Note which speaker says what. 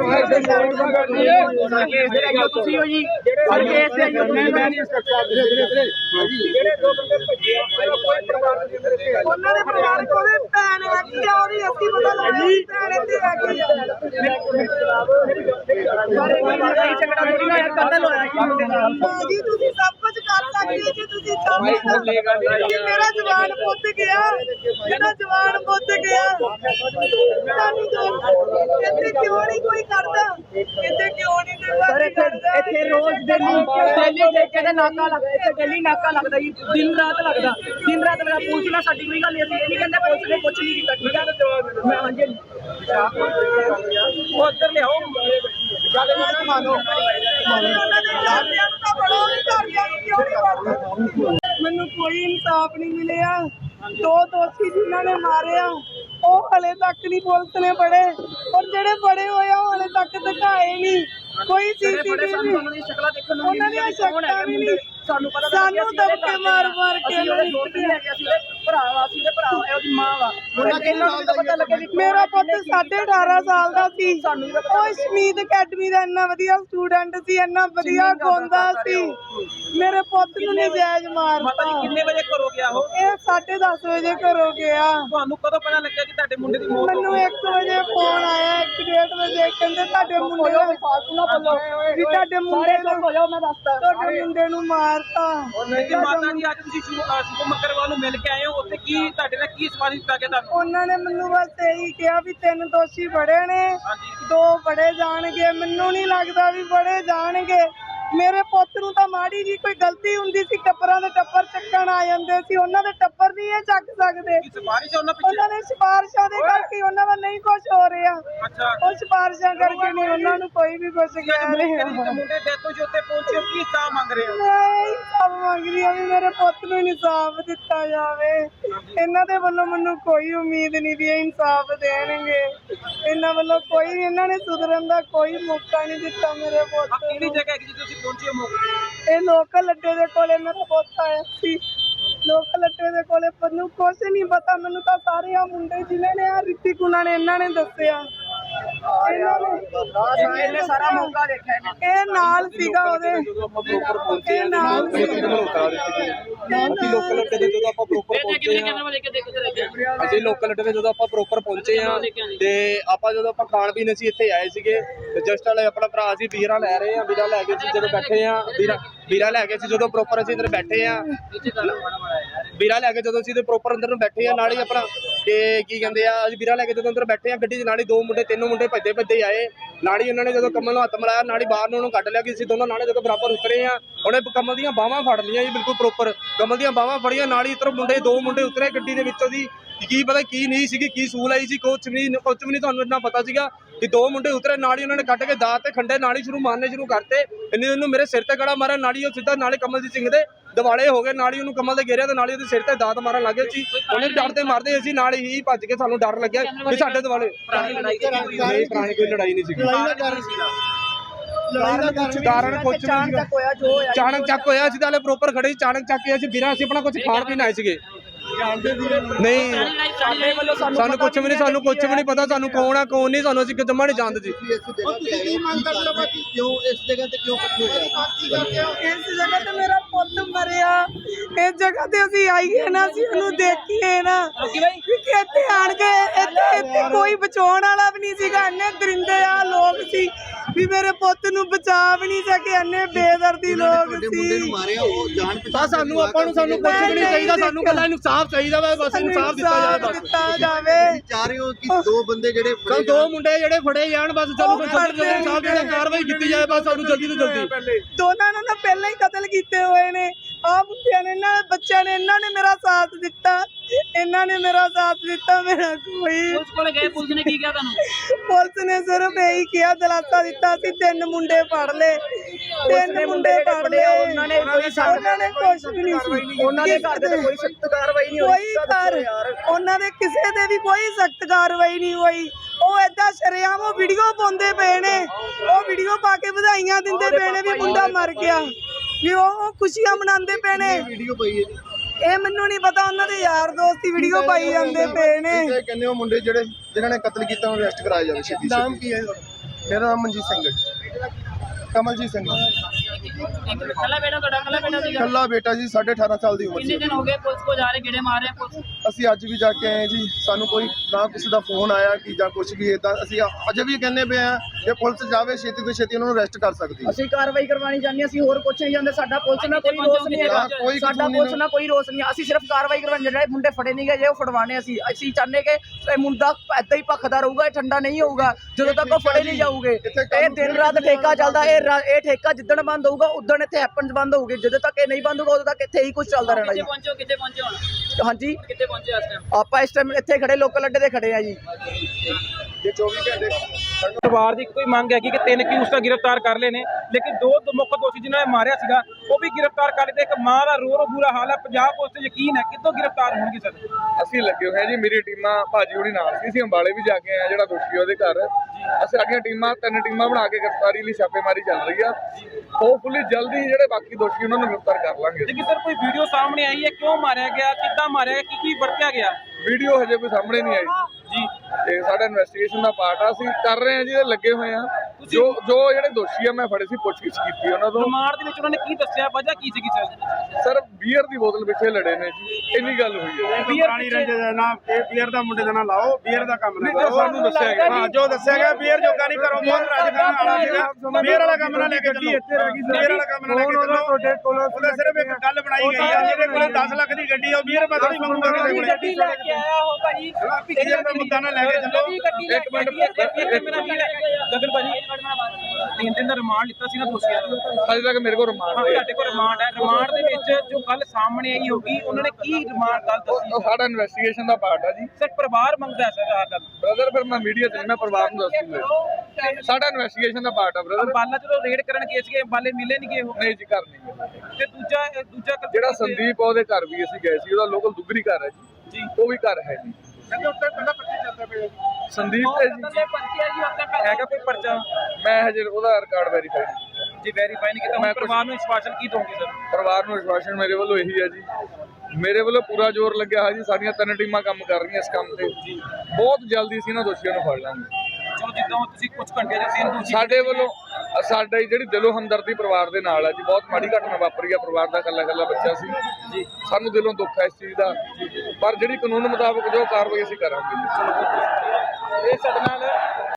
Speaker 1: ਤੁਸੀਂ ਹੋ ਜੀ ਉਹਨਾਂ ਦੇ ਪਰਿਵਾਰ ਕੋਲੇ ਭੈਣ ਹੈਗੀ ਆ ਉਹਦੀ ਅੱਖੀ ਪਤਾ ਲੱਗਾ ਭੈਣ ਇੱਥੇ ਹੈਗੀ ਆ ਝਗੜਾ ਥੋੜੀ ਹੋਇਆ ਕਤਲ ਹੋਇਆ ਜੀ ਤੁਸੀਂ ਸਭ ਕੁਝ ਕਰ ਸਕਦੇ ਜੇ ਤੁਸੀਂ ਚਾਹੋ ਮੇਰਾ ਜਵਾਨ ਪੁੱਤ ਗਿਆ ਮੇਰਾ ਜਵਾਨ ਪੁੱਤ ਗਿਆ ਸਾਨੂੰ ਇੱਥੇ ਕਿਉਂ ਨਹੀਂ ਕੋਈ ਕਰਦਾ ਇੱਥੇ ਕਿਉਂ ਨਹੀਂ ਸਰ ਇੱਥੇ ਰੋਜ਼ ਦਿੱਲੀ ਠੇਕੇ ਦੇ ਨਾਕਾ ਲੱਗਦਾ ਇੱਥੇ ਦਿੱਲੀ ਨਾਕਾ ਲੱਗਦਾ ਜੀ ਦਿਨ ਰਾਤ ਲੱਗਦਾ ਪੁਲਿਸ ਨਾਲ ਸਾਡੀ ਕੋਈ ਗੱਲ ਨਹੀਂ ਇਹ ਨਹੀਂ ਕਹਿੰਦੇ ਪੁਲਿਸ ਨੇ ਕੁਝ ਨਹੀਂ ਕੀਤਾ ਠੀਕ ਹੈ ਮੈਂ ਹਾਂਜੀ ਉਹ ਉੱਧਰ ਲਿਆਓ ਗੱਲ ਨੂੰ ਮਾਨੋ ਮੈਨੂੰ ਕੋਈ ਇਨਸਾਫ ਨਹੀਂ ਮਿਲਿਆ ਦੋ ਦੋਸ਼ੀ ਜਿਨ੍ਹਾਂ ਨੇ ਮਾਰਿਆ ਉਹ ਹਲੇ ਤੱਕ ਨਹੀਂ ਪੁਲਿਸ ਨੇ ਫੜੇ ਔਰ ਜਿਹੜੇ ਫੜੇ ਹੋਏ ਆ ਹਲੇ ਤੱਕ ਦਿਖਾਏ ਨਹੀਂ ਕੋਈ ਸੀਸੀਟੀਵੀ ਉਹਨਾਂ ਦੀਆਂ ਸ਼ਕਲਾਂ ਦੇਖਣ ਨੂੰ ਨਹੀਂ ਸਾਨੂੰ ਪਤਾ ਸਾਨੂੰ ਦਬਕੇ ਮਾਰ ਕੇ ਉਹਦੀ ਮਾਂ ਵਾ ਪਤਾ ਲੱਗੇ ਮੇਰਾ ਪੁੱਤ 18.5 ਸਾਲ ਦਾ ਸੀ ਉਹ ਸ਼ਮੀਦ ਅਕੈਡਮੀ ਦਾ ਇੰਨਾ ਵਧੀਆ ਸਟੂਡੈਂਟ ਸੀ ਇੰਨਾ ਵਧੀਆ ਗਾਉਂਦਾ ਸੀ ਮੇਰੇ ਪੁੱਤ ਨੂੰ ਨਜਾਇਜ਼ ਮਾਰਤਾ ਕਿੰਨੇ ਵਜੇ ਘਰੋਂ ਗਿਆ ਉਹ ਇਹ 10:30 ਵਜੇ ਘਰੋਂ ਗਿਆ ਤੁਹਾਨੂੰ ਕਦੋਂ ਪਤਾ ਲੱਗਿਆ ਕਿ ਤੁਹਾਡੇ ਮੁੰਡੇ ਦੀ ਮੌਤ ਮੈਨੂੰ 1 ਵਜੇ ਫੋਨ ਆਇਆ 1:30 ਵਜੇ ਕਹਿੰਦੇ ਤੁਹਾਡੇ ਮੁੰਡੇ ਨੂੰ ਫਾਲਤੂ ਨਾ ਬੋਲੋ ਵੀ ਤੁਹਾਡੇ ਮੁੰਡੇ ਨੂੰ ਹੋ ਜਾਓ ਮੈਂ ਦੱਸਦਾ ਤੁਹਾਡੇ ਮੁੰਡੇ ਨੂੰ ਮਾਰਤਾ ਮਾਤਾ ਜੀ ਅੱਜ ਤੁਸੀਂ ਸ਼ੁਭਮ ਅਗਰਵਾਲ ਨੂੰ ਮਿਲ ਕੇ ਆਏ ਹੋ ਉੱਥੇ ਕੀ ਤੁਹਾਡੇ ਨਾਲ ਕੀ ਸਵਾਲ ਦਿੱਤਾ ਗਿਆ ਤੁਹਾਨੂੰ ਉਹਨਾਂ ਨੇ ਮੈਨੂੰ ਬਸ ਇਹੀ ਕਿਹਾ ਵੀ 3 ਦੋਸ਼ੀ ਫੜੇ ਨੇ 2 ਫੜੇ ਜਾਣਗੇ ਮੈਨੂੰ ਨਹੀਂ ਲੱਗਦਾ ਵੀ ਫੜੇ ਜਾਣਗੇ ਮੇਰੇ ਪੁੱਤ ਨੂੰ ਤਾਂ ਮਾੜੀ ਜੀ ਕੋਈ ਗਲਤੀ ਹੁੰਦੀ ਸੀ ਟੱਪਰਾਂ ਦੇ ਟੱਪਰ ਚੱਕਣ ਆ ਜਾਂਦੇ ਸੀ ਉਹਨਾਂ ਦੇ ਟੱਪਰ ਨਹੀਂ ਇਹ ਚੱਕ ਸਕਦੇ ਉਹਨਾਂ ਨੇ ਸਿਫਾਰਿਸ਼ਾਂ ਦੇ ਕਰਕੇ ਉਹਨਾਂ ਦਾ ਨਹੀਂ ਕੁਝ ਹੋ ਰਿਹਾ ਉਹ ਸਿਫਾਰਿਸ਼ਾਂ ਕਰਕੇ ਨਹੀਂ ਉਹਨਾਂ ਨੂੰ ਕੋਈ ਵੀ ਕੁਝ ਕਹਿ ਰਿਹਾ ਮੁੰਡੇ ਡੈਥ ਜੋ ਉੱਤੇ ਪਹੁੰਚੇ ਕੀ ਇਨਸਾਫ ਮੰਗ ਰਹੇ ਹੋ ਨਹੀਂ ਸਭ ਮੰਗ ਰਹੀ ਆ ਵੀ ਮੇਰੇ ਪੁੱਤ ਨੂੰ ਇਨਸਾਫ ਦਿੱਤਾ ਜਾਵੇ ਇਹਨਾਂ ਦੇ ਵੱਲੋਂ ਮੈਨੂੰ ਕੋਈ ਉਮੀਦ ਨਹੀਂ ਵੀ ਇਹ ਇਨਸਾਫ ਦੇਣਗੇ ਇਹਨਾਂ ਵੱਲੋਂ ਕੋਈ ਇਹਨਾਂ ਨੇ ਸੁਧਰਨ ਦਾ ਕੋਈ ਮੌਕਾ ਨਹੀਂ ਦਿੱਤਾ ਮੇਰੇ ਪੁੱਤ ਕਿਹੜੀ ਜਗ੍ਹਾ ਕਿ ਤੁਸੀਂ ਇਹ ਲੋਕਲ ਅੱਡੇ ਦੇ ਕੋਲੇ ਮੇਰਾ ਪੁੱਤ ਆਇਆ ਸੀ ਲੋਕਲ ਅੱਡੇ ਦੇ ਕੋਲੇ ਮੈਨੂੰ ਕੁਛ ਨਹੀਂ ਪਤਾ ਮੈਨੂੰ ਤਾਂ ਸਾਰੇ ਆ ਮੁੰਡੇ ਜਿਨ੍ਹਾਂ ਨੇ ਆ ਰਿਤਿਕ ਉਹਨਾਂ ਨੇ ਇਹਨਾਂ ਨੇ ਦੱਸਿਆ ਇਹਨੇ ਸਾਰਾ ਮੌਕਾ ਦੇਖਿਆ ਇਹ ਨਾਲ ਸੀਗਾ ਉਹਦੇ ਇਹ ਨਾਲ
Speaker 2: ਅਸੀਂ ਲੋਕਲ ਅੱਡੇ ਤੇ ਜਦੋਂ ਆਪਾਂ ਪ੍ਰੋਪਰ ਪਹੁੰਚੇ ਆ ਤੇ ਆਪਾਂ ਜਦੋਂ ਆਪਾਂ ਖਾਣ ਪੀਣ ਅਸੀਂ ਇੱਥੇ ਆਏ ਸੀਗੇ ਜਸਟ ਵਾਲੇ ਆਪਣਾ ਭਰਾ ਸੀ ਵੀਰਾ ਲੈ ਰਹੇ ਆ ਵੀਰਾ ਲੈ ਕੇ ਸੀ ਜਦੋਂ ਬੈਠੇ ਆ ਵੀਰਾ ਲੈ ਕੇ ਸੀ ਜਦੋਂ ਪ੍ਰੋਪਰ ਅਸੀਂ ਇੱਧਰ ਬੈਠੇ ਆ ਵੀਰਾ ਲੈ ਕੇ ਜਦੋਂ ਅਸੀਂ ਤੇ ਪ੍ਰੋਪਰ ਅੰਦਰ ਨੂੰ ਬੈਠੇ ਆ ਨਾਲ ਹੀ ਆਪਣਾ ਤੇ ਕੀ ਕਹਿੰਦੇ ਆ ਅਸੀਂ ਵੀਰਾ ਲੈ ਕੇ ਜਦੋਂ ਅੰਦਰ ਬੈਠੇ ਆ ਗੱਡੀ ਦੇ ਨਾਲ ਹੀ 2 ਮੁੰਡੇ 3 ਮੁੰਡੇ ਭੱਜਦੇ ਆਏ ਨਾਲ ਹੀ ਉਹਨਾਂ ਨੇ ਜਦੋਂ ਕਮਲ ਨੂੰ ਹੱਥ ਮਿਲਾਇਆ ਨਾਲ ਹੀ ਬਾਹਰ ਨੂੰ ਉਹਨੂੰ ਕੱਢ ਲਿਆ ਕਿ ਅਸੀਂ ਦੋਨੋਂ ਨਾਲੇ ਜਦੋਂ ਬਰਾਬਰ ਉਤਰੇ ਆ ਉਹਨੇ ਕਮਲ ਦੀਆਂ ਬਾਹਾਂ ਫੜ ਲਈਆਂ ਜੀ ਬਿਲਕੁਲ ਪ੍ਰੋਪਰ ਕਮਲ ਦੀਆਂ ਬਾਹਾਂ ਫੜੀਆਂ ਨਾਲ ਹੀ ਇੱਧਰੋਂ ਮੁੰਡੇ 2 ਮੁੰਡੇ ਉਤਰੇ ਗੱਡੀ ਦੇ ਵਿੱਚੋਂ ਦੀ ਕੀ ਪਤਾ ਕੀ ਨਹੀਂ ਸੀਗੀ ਕੀ ਸੂਲ ਆਈ ਸੀ ਕੁਛ ਵੀ ਨਹੀਂ ਤੁਹਾਨੂੰ ਇੰਨਾ ਪਤਾ ਸੀਗਾ ਕਿ 2 ਮੁੰਡੇ ਉਤਰੇ ਨਾਲ ਹੀ ਉਹਨਾਂ ਨੇ ਕੱਢ ਕੇ ਦਾਤ ਤੇ ਖੰਡੇ ਨਾਲ ਹੀ ਮਾਰਨੇ ਸ਼ੁਰੂ ਕਰਤੇ ਇਹਨੂੰ ਮੇਰੇ ਸਿਰ ਤੇ ਗੜਾ ਮਾਰਿਆ ਨਾਲ ਹੀ ਉਹ ਸਿੱਧਾ ਨਾਲੇ ਕਮਲ ਦੀ ਸਿੰਘ ਦੇ ਦਿਵਾਲੇ ਹੋ ਗਏ ਨਾਲ ਹੀ ਉਹਨੂੰ ਕਮਲ ਦੇ ਘੇਰਿਆ ਤੇ ਨਾਲ ਹੀ ਉਹਦੇ ਸਿਰ ਤੇ ਦਾਤ ਮਾਰਨ ਲੱਗੇ ਸੀ ਉਹਨੇ ਡਰ ਤੇ ਮਾਰਦੇ ਅਸੀਂ ਨਾਲ ਹੀ ਭੱਜ ਕੇ ਸਾਨੂੰ ਡਰ ਲੱਗਿਆ ਕਿ ਸਾਡੇ ਦਿਵਾਲੇ ਪੁਰਾਣੀ ਕੋਈ ਲੜਾਈ ਨਹੀਂ ਸੀਗੀ ਕਾਰਨ ਕੁਝ ਚਾਣਕ ਚੱਕ ਹੋਇਆ ਅਸੀਂ ਤਾਂ ਹਲੇ ਪ੍ਰੋਪਰ ਖੜੇ ਸੀ ਚਾਣਕ ਚੱਕ ਕੇ ਅਸੀਂ ਵੀਰਾਂ ਅਸੀਂ ਆਪਣਾ ਕੁਝ ਖਾਣ ਪੀਣ ਆਏ ਸੀਗੇ ਨਹੀਂ ਸਾਨੂੰ ਕੁਝ ਵੀ ਨਹੀਂ ਪਤਾ ਸਾਨੂੰ ਕੌਣ ਆ ਕੌਣ ਨਹੀਂ ਸਾਨੂੰ ਅਸੀਂ ਜਮਾ ਨਹੀਂ ਜਾਣਦੇ ਸੀ
Speaker 1: ਇਸ ਜਗ੍ਹਾ ਤੇ ਮੇਰਾ ਪੁੱਤ ਮਰਿਆ ਇਸ ਜਗ੍ਹਾ ਤੇ ਅਸੀਂ ਆਈਏ ਨਾ ਅਸੀਂ ਉਹਨੂੰ ਦੇਖੀਏ ਨਾ ਇੱਥੇ ਆਣ ਕੇ ਇੱਥੇ ਕੋਈ ਬਚਾਉਣ ਵਾਲਾ ਵੀ ਨਹੀਂ ਸੀਗਾ ਇੰਨੇ ਦਰਿੰਦੇ ਆ ਲੋਕ ਸੀ ਵੀ ਮੇਰੇ ਪੁੱਤ ਨੂੰ ਬਚਾ ਵੀ ਨਹੀਂ ਸਕੇ ਇੰਨੇ ਬੇਦਰਦੀ ਲੋਕ ਸੀ
Speaker 2: ਸਾਨੂੰ ਆਪਾਂ ਨੂੰ ਸਾਨੂੰ ਕੁਝ ਵੀ ਨਹੀਂ ਚਾਹੀਦਾ ਸਾਨੂੰ ਕੱਲਾ ਇਨਸਾਫ ਚਾਹੀਦਾ ਵਾ ਬਸ ਇਨਸਾਫ
Speaker 1: ਦਿੱਤਾ ਜਾਵੇ
Speaker 3: ਚਾਹ ਰਹੇ ਹੋ ਕਿ 2 ਬੰਦੇ ਜਿਹੜੇ
Speaker 2: 2 ਮੁੰਡੇ ਜਿਹੜੇ ਫੜੇ ਜਾਣ ਬਸ ਸਾਨੂੰ ਇਨਸਾਫ ਦੀ ਕਾਰਵਾਈ ਕੀਤੀ ਜਾਏ ਬਸ ਸਾਨੂੰ ਜਲਦੀ ਤੋਂ ਜਲਦੀ
Speaker 1: ਦੋਨਾਂ ਨੇ ਪਹਿਲਾਂ ਹੀ ਕਤਲ ਕੀਤੇ ਹੋਏ ਨੇ ਆਹ ਮੁੰਡਿਆਂ ਨੇ ਇਹਨਾਂ ਬੱਚਿਆਂ ਨੇ ਇਹਨਾਂ ਨੇ ਮੇਰਾ ਸਾਥ ਦਿੱਤਾ ਮੇਰਾ ਕੋਈ
Speaker 4: ਪੁਲਿਸ ਕੋਲ ਗਏ ਪੁਲਿਸ ਨੇ ਕੀ ਕਿਹਾ ਤੁਹਾਨੂੰ
Speaker 1: ਪੁਲਿਸ ਨੇ ਸਿਰਫ ਇਹੀ ਕਿਹਾ ਦਿਲਾਸਾ ਦਿੱਤਾ ਸੀ 3 ਮੁੰਡੇ ਫੜ ਲਏ 3 ਮੁੰਡੇ ਫੜ ਲਏ ਉਹਨਾਂ ਨੇ ਕੁਝ ਵੀ ਨਹੀਂ ਸੀ
Speaker 2: ਉਹਨਾਂ ਦੇ ਘਰ ਤੇ ਕੋਈ ਸਖਤ ਕਾਰਵਾਈ ਨਹੀਂ ਹੋਈ
Speaker 1: ਉਹਨਾਂ ਦੇ ਕਿਸੇ ਤੇ ਵੀ ਕੋਈ ਸਖਤ ਕਾਰਵਾਈ ਨਹੀਂ ਹੋਈ ਉਹ ਏਦਾਂ ਸ਼ਰੇਆਮ ਉਹ ਵੀਡੀਓ ਪਾਉਂਦੇ ਪਏ ਨੇ ਉਹ ਵੀਡੀਓ ਪਾ ਕੇ ਵਧਾਈਆਂ ਦਿੰਦੇ ਪਏ ਨੇ ਵੀ ਮੁੰਡਾ ਮਰ ਗਿਆ ਵੀ ਉਹ ਖੁਸ਼ੀਆਂ ਮਨਾਉਂਦੇ ਪਏ ਨੇ
Speaker 3: ਵੀਡੀਓ ਪਈ ਹੈ
Speaker 1: ਇਹ ਮੈਨੂੰ ਨਹੀਂ ਪਤਾ ਉਹਨਾਂ ਦੇ ਯਾਰ ਦੋਸਤ ਹੀ ਵੀਡੀਓ ਪਾਈ ਜਾਂਦੇ ਪਏ ਨੇ
Speaker 3: ਕਹਿੰਦੇ ਉਹ ਮੁੰਡੇ ਜਿਨ੍ਹਾਂ ਨੇ ਕਤਲ ਕੀਤਾ ਉਹਨੂੰ ਅਰੈਸਟ ਕਰਾਇਆ ਜਾਵੇ ਛੇਤੀ
Speaker 2: ਨਾਮ ਕੀ ਹੈ
Speaker 4: ਮੇਰਾ ਨਾਮ ਮਨਜੀਤ ਸਿੰਘ ਹੈ। ਕਮਲਜੀਤ ਸਿੰਘ
Speaker 5: ਕੱਲਾ ਬੇਟਾ ਤੁਹਾਡਾ ਕੱਲਾ ਬੇਟਾ ਸੀਗਾ?
Speaker 4: ਕੱਲਾ ਬੇਟਾ ਜੀ 18.5 ਸਾਲ ਦੀ ਉਮਰ
Speaker 5: ਕਿੰਨੇ
Speaker 4: ਸੀ।
Speaker 5: ਦਿਨ ਹੋ ਗਏ ਪੁਲਿਸ ਕੋ ਜਾ ਰਹੇ ਗੇੜੇ ਮਾਰ ਰਹੇ ਪੁਲਿਸ?
Speaker 4: ਅਸੀਂ ਅੱਜ ਵੀ ਜਾ ਕੇ ਆਏ ਜੀ, ਸਾਨੂੰ ਕੋਈ ਨਾ ਕਿਸੇ ਦਾ ਫੋਨ ਆਇਆ ਕਿ ਜਾਂ ਕੁਝ ਵੀ ਇਦਾਂ। ਅਸੀਂ ਅਜੇ ਵੀ ਕਹਿੰਦੇ ਪਏ ਆ ਕਿ ਪੁਲਿਸ ਜਾਵੇ ਛੇਤੀ ਤੋਂ ਛੇਤੀ ਉਹਨਾਂ ਨੂੰ ਅਰੈਸਟ ਕਰ ਸਕਦੀ ਹੈ।
Speaker 6: ਅਸੀਂ ਕਾਰਵਾਈ ਕਰਵਾਉਣੀ ਚਾਹੁੰਦੇ ਹਾਂ, ਅਸੀਂ ਹੋਰ ਕੁਛ ਨਹੀਂ ਜਾਂਦੇ। ਸਾਡਾ ਪੁਲਿਸ ਨਾਲ ਕੋਈ ਰੋਸ ਨਹੀਂ ਹੈਗਾ,
Speaker 4: ਕੋਈ
Speaker 6: ਸਾਡਾ ਪੁਲਿਸ ਨਾਲ ਕੋਈ ਰੋਸ ਨਹੀਂ। ਅਸੀਂ ਸਿਰਫ ਕਾਰਵਾਈ ਕਰਵਾਉਣ ਜਿਹੜੇ ਮੁੰਡੇ ਫੜੇ ਨਹੀਂ ਗਏ ਜੇ ਉਹ ਫੜਵਾਣੇ। ਅਸੀਂ ਚਾਹੁੰਦੇ ਕਿ ਇਹ ਮੁੰਡਾ ਏਦਾਂ ਹੀ ਭਖਦਾ ਰਹੂਗਾ, ਇਹ ਠੰਡਾ ਨਹੀਂ ਹੋਊਗਾ ਜਦੋਂ ਤੱਕ ਉਹ ਫੜੇ ਨਹੀਂ ਜਾਊਗੇ। ਇਹ ਦਿਨ ਰਾਤ ਠੇਕਾ ਚੱਲਦਾ, ਇਹ ਠੇਕਾ ਜਿੱਦਣ ਬੰਦ ਹੋਊਗਾ ਉਦੋਂ ਇੱਥੇ ਹੈਪਨਸ ਬੰਦ ਹੋਊਗੇ। ਜਦੋਂ ਤੱਕ ਇਹ ਨਹੀਂ ਬੰਦ ਹੋਊਗਾ ਉਦੋਂ ਤੱਕ ਇੱਥੇ ਹੀ ਕੁਝ ਚੱਲਦਾ ਰਹਿਣਾ ਜੀ।
Speaker 5: ਕਿੱਥੇ ਪਹੁੰਚੇ ਹੁਣ?
Speaker 6: ਹਾਂਜੀ
Speaker 5: ਕਿੱਥੇ ਪਹੁੰਚੇ ਇਸ ਟਾਈਮ?
Speaker 6: ਆਪਾਂ ਇਸ ਟਾਈਮ ਇੱਥੇ ਖੜੇ ਲੋਕਲ ਅੱਡੇ ਤੇ ਖੜੇ ਆ ਜੀ।
Speaker 4: ਇਹ 24 ਘੰਟੇ
Speaker 7: ਪਰਿਵਾਰ ਦੀ ਕੋਈ ਮੰਗ ਹੈ ਕਿ 3 ਅਕਿਊਜ਼ ਤਾਂ ਗ੍ਰਿਫਤਾਰ ਕਰ ਲਏ ਨੇ, ਲੇਕਿਨ 2 ਮੁੱਖ ਦੋਸ਼ੀ ਜਿਨ੍ਹਾਂ ਨੇ ਮਾਰਿਆ ਸੀਗਾ ਉਹ ਵੀ ਗ੍ਰਿਫਤਾਰ ਕਰ ਲਏ। ਇੱਕ ਮਾਂ ਦਾ ਰੋ ਬੁਰਾ ਹਾਲ ਹੈ। ਪੰਜਾਬ ਪੁਲਿਸ ਤੇ ਯਕੀਨ ਹੈ ਕਿੱਥੋਂ ਗ੍ਰਿਫਤਾਰ ਹੋਣਗੇ ਸਰ?
Speaker 8: ਅਸੀਂ ਲੱਗੇ ਹੋਏ ਆ ਜੀ। ਮੇਰੀ ਟੀਮਾਂ ਭਾਜੀ ਹੁਣੀ ਨਾਲ ਸੀ, ਅਸੀਂ ਅੰਬਾਲੇ ਵੀ ਜਾ ਕੇ ਆਏ ਆ ਜਿਹੜਾ ਦੋਸ਼ੀ ਉਹਦੇ ਘਰ। ਅਸੀਂ ਸਾਡੀਆਂ ਟੀਮਾਂ 3 ਟੀਮਾਂ ਬਣਾ ਕੇ ਗ੍ਰਿਫਤਾਰੀ ਲਈ ਛਾਪੇਮਾਰੀ ਚੱਲ ਰਹੀ ਆ। ਹੋਪਫੁਲੀ ਜਲਦੀ ਜਿਹੜੇ ਬਾਕੀ ਦੋਸ਼ੀ ਉਹਨਾਂ ਨੂੰ ਗ੍ਰਿਫਤਾਰ ਕਰ ਲਾਂਗੇ।
Speaker 7: ਲੇਕਿਨ ਸਰ ਕੋਈ ਵੀਡੀਓ ਸਾਹਮਣੇ ਆਈ ਹੈ, ਕਿਉਂ ਮਾਰਿਆ ਗਿਆ, ਕਿੱਦਾਂ ਮਾਰਿਆ ਗਿਆ, ਕੀ ਵਰਤਿਆ ਗਿਆ?
Speaker 8: ਵੀਡੀਓ ਹਜੇ ਕੋਈ ਸਾਹਮਣੇ ਨਹੀਂ ਆਈ ਜੀ, ਤੇ ਸਾਡਾ ਇਨਵੈਸਟੀਗੇਸ਼ਨ ਦਾ ਪਾਰਟ ਆ। ਅਸੀਂ ਕਰ ਰਹੇ ਆ ਜੀ, ਲੱਗੇ ਹੋਏ ਆ। ਜੋ ਜਿਹੜੇ ਦੋਸ਼ੀ ਆ ਮੈਂ ਫੜੇ ਸੀ, ਪੁੱਛਗਿੱਛ ਕੀਤੀ ਉਹਨਾਂ ਤੋਂ।
Speaker 7: ਰਿਮਾਂਡ ਦੇ ਵਿੱਚ ਉਹਨਾਂ ਨੇ ਕੀ ਦੱਸਿਆ, ਵਜ੍ਹਾ ਕੀ ਸੀਗੀ
Speaker 8: ਸਰ ਬੀਅਰ ਦੀ ਬੋਤਲ ਪਿੱਛੇ ਲੜੇ ਨੇ ਜੀ, ਇੰਨੀ ਗੱਲ ਹੋਈ ਹੈ।
Speaker 2: ਪੁਰਾਣੀ ਰੰਜਿਸ਼ ਦਾ ਨਾਮ ਇਹ ਬੀਅਰ ਦਾ ਮੁੰਡੇ ਦਾ ਨਾਮ ਲਾਓ, ਬੀਅਰ ਦਾ ਕੰਮ ਨਾ
Speaker 8: ਨਹੀਂ, ਜੋ ਸਾਨੂੰ ਦੱਸਿਆ ਗਿਆ।
Speaker 2: ਹਾਂ, ਜੋ ਦੱਸਿਆ ਗਿਆ ਬੀਅਰ ਜੋਗਾ ਨਹੀਂ ਕਰੋ, ਬਹੁਤ ਰਾਜਕਾਰਨ ਵਾਲਾ ਸੀਗਾ। ਬੀਅਰ ਵਾਲਾ ਕੰਮ ਨਾ ਲੈ ਕੇ ਚੱਲੋ, ਬੀਅਰ ਵਾਲਾ ਕੰਮ ਨਾ ਲੈ ਕੇ ਚੱਲੋ। ਤੁਹਾਡੇ ਕੋਲ ਸਿਰਫ ਇੱਕ ਗੱਲ ਬਣਾਈ ਗਈ ਆ, ਜਿਹਦੇ ਕੋਲ 10 ਲੱਖ ਦੀ ਗੱਡੀ ਆ ਉਹ ਬੀਅਰ ਮੈਂ ਥੋੜੀ ਮੰਗੂਗਾ ਕਿਸੇ ਕੋਲ।
Speaker 5: ਗੱਡੀ ਲੈ ਕੇ ਆਇਆ ਹੋ ਭਾਈ,
Speaker 2: ਬੀਅਰ ਦਾ ਮੁੱਦਾ ਨਾ ਲੈ ਕੇ ਚੱਲੋ।
Speaker 8: ਇੱਕ ਮਿੰਟ
Speaker 7: ਗਗਨ ਭਾਜੀ 3 ਦਿਨ ਦਾ ਰਿਮਾਂਡ ਲਿੱਤਾ ਸੀ ਨਾ ਦੋਸ਼ੀਆਂ ਦਾ,
Speaker 8: ਹਜੇ ਤੱਕ ਮੇਰੇ ਕੋਲ ਰਿਮਾਂਡ ਹੈ।
Speaker 7: ਤੁਹਾਡੇ ਕੋਲ ਰਿਮਾਂਡ ਹੈ। ਰਿਮਾਂਡ ਦੇ ਵਿੱਚ ਜੋ ਗੱਲ ਸਾਹਮਣੇ ਆਈ ਹੋਗੀ ਉਹਨਾਂ ਨੇ ਕੀ ਰਿਮਾਂਡ ਗੱਲ ਦੱਸੀ?
Speaker 8: ਉਹ ਸਾਡਾ ਇਨਵੈਸਟੀਗੇਸ਼ਨ ਦਾ ਪਾਰਟ ਆ ਜੀ।
Speaker 7: ਸਰ ਪਰਿਵਾਰ ਮੰਗਦਾ ਹੈ ਸਰ ਆਹ ਗੱਲ।
Speaker 8: ਬ੍ਰਦਰ ਫਿਰ ਮੈਂ ਮੀਡੀਆ ਤੇ ਮੈਂ ਪਰਿਵਾਰ ਨੂੰ ਦੱਸ ਦੂੰਗਾ। ਸਾਡਾ ਇਨਵੈਸਟੀਗੇਸ਼ਨ ਦਾ ਪਾਰਟ ਆ ਬ੍ਰਦਰ।
Speaker 7: ਅੰਬਾਲਾ ਜਦੋਂ ਰੇਡ ਕਰਨ ਗਏ ਸੀਗੇ, ਅੰਬਾਲੇ ਮਿਲੇ ਨਹੀਂ ਗਏ ਉਹ?
Speaker 8: ਨਹੀਂ ਜੀ, ਘਰ ਨਹੀਂ ਮਿਲੇ।
Speaker 7: ਤੇ ਦੂਜਾ
Speaker 8: ਜਿਹੜਾ ਸੰਦੀਪ ਆ ਉਹਦੇ ਘਰ ਵੀ ਅਸੀਂ ਗਏ ਸੀ, ਉਹਦਾ ਲੋਕਲ ਦੁੱਗਰੀ ਘਰ ਹੈ ਜੀ, ਉਹ ਵੀ ਘਰ ਹੈ ਜੀ। ਸੰਦੀਪ ਹੈ ਜੀ,
Speaker 7: ਹੈਗਾ ਕੋਈ ਪਰਚਾ?
Speaker 8: ਮੈਂ ਹਜੇ ਉਹਦਾ ਰਿਕਾਰਡ ਵੈਰੀਫਾਈ ਨਹੀਂ।
Speaker 7: ਜੀ ਵੈਰੀਫਾਈ ਨਹੀਂ ਕੀਤਾ।
Speaker 8: ਮੈਂ
Speaker 7: ਹੁਣ ਪਰਿਵਾਰ ਨੂੰ ਵਿਸ਼ਵਾਸਨ ਕੀ ਦੋਗੇ ਸਰ?
Speaker 8: ਪਰਿਵਾਰ ਨੂੰ ਵਿਸ਼ਵਾਸਨ ਮੇਰੇ ਵੱਲੋਂ ਇਹੀ ਹੈ ਜੀ, ਮੇਰੇ ਵੱਲੋਂ ਪੂਰਾ ਜ਼ੋਰ ਲੱਗਿਆ ਹੈ ਜੀ। ਸਾਡੀਆਂ 3 ਟੀਮਾਂ ਕੰਮ ਕਰ ਰਹੀਆਂ ਇਸ ਕੰਮ ਤੇ। ਬਹੁਤ ਜਲਦੀ ਅਸੀਂ ਇਹਨਾਂ ਦੋਸ਼ੀਆਂ ਨੂੰ ਫੜ ਲਾਂਗੇ।
Speaker 7: ਚਲੋ ਜਿੱਦਾਂ ਤੁਸੀਂ ਕੁਝ ਘੰਟੇ ਜਾਂ 3 ਦੋਸ਼ੀ
Speaker 8: ਸਾਡੇ ਵੱਲੋਂ ਸਾਡਾ ਜਿਹੜੀ ਦਿਲੋਂ ਹਮਦਰਦੀ ਪਰਿਵਾਰ ਦੇ ਨਾਲ ਹੈ ਜੀ। ਬਹੁਤ ਮਾੜੀ ਘਟਨਾ ਵਾਪਰੀ ਆ, ਪਰਿਵਾਰ ਦਾ ਇਕੱਲਾ ਬੱਚਾ ਸੀ ਜੀ। ਸਾਨੂੰ ਦਿਲੋਂ ਦੁੱਖ ਹੈ ਇਸ ਚੀਜ਼ ਦਾ, ਪਰ ਜਿਹੜੀ ਕਾਨੂੰਨ ਮੁਤਾਬਕ ਜੋ ਕਾਰਵਾਈ ਅਸੀਂ ਕਰਾਂਗੇ।
Speaker 7: ਇਹ ਸਾਡੇ ਨਾਲ